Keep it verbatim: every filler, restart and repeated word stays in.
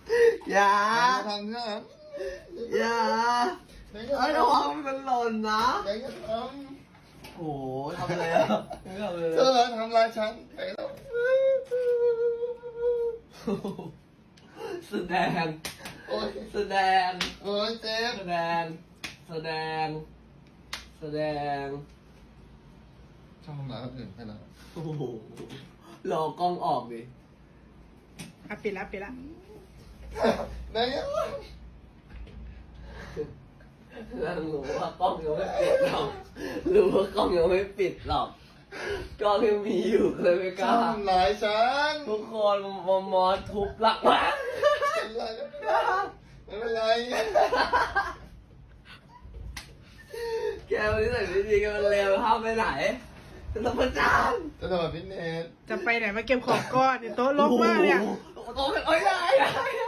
อย่าทำเนี่ยอย่าไอ้ระวังมันหล่นนะไหนจะทโอ้โหทำอะไรอ่ะไม่ทำอะไรำเลเธอย ทำลายฉันไหนแล้วแสดงโอ้ยแสดงโอ้ยเจ็บแสดง แสดง แสดงชอบทำร้ายคนอื่นแค่นั้นโอ้โหรอกล้องออกดิอ่ะปิดละปิดละไหนอะนั่งรู้ว่ากล้องยังไม่ปิดหรอกรู้ว่ากล้องยังไม่ปิดหรอกกล้องยังมีอยู่เลยไม่กชอล้าบทำร้ายฉันทุกคนมอมอทุบหลักมากไม่เป็นไรแกวันนี้ใส่ไม่ดีแกมันเลวห้ามไปไหนจะทำประจานจะทำแบบพิเนสจะไปไหนมาเก็บของก้อนเนี่ยโต๊ะลกมากเนี่ยโอ้โหโอ้ยได้ได้